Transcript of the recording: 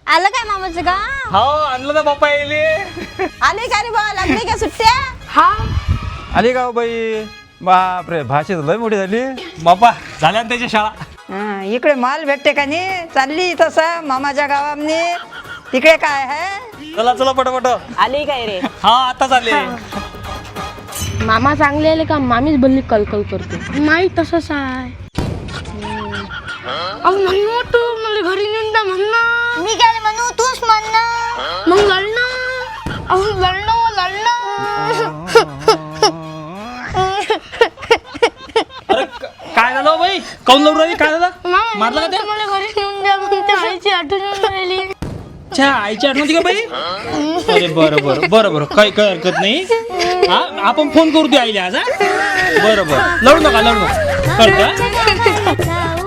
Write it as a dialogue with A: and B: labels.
A: आलं काय मामाचं का?
B: हो आणलं ना बाप्पा येले.
C: आले का रे बा लागले का सुट्ट्या?
A: हा
D: आली का हो बाई? बापरे भाषेत लय मोठी झाली.
B: बाप्पा झाल्या ना त्याच्या शाळा.
C: इकडे माल भेटते का नाही? चालली तसा मामाच्या गावामने. तिकडे काय आहे?
B: चला चला पटापट.
C: आली काय रे?
B: हा आताच आले.
A: मामा चांगले आले का मामीच बोलली कलकल करते. नाही तसंच आहे. म्हणू तू मला घरी नेऊन द्या म्हणणं. मी काय म्हणू तूच म्हणणं. मग लढणं. लढणं.
B: अरे काय झालं बाई? काऊन लढू राहिली? काय झालं? मारलं का ते?
A: मला घरी नेऊन द्या म्हणते. आईची आठवण येऊन राहिली.
B: अच्छा आईची आठवण होती का बाई? अरे बरं काही हरकत नाही. हा आपण फोन करू दे आईला आज. हा बरं लढू नका करता.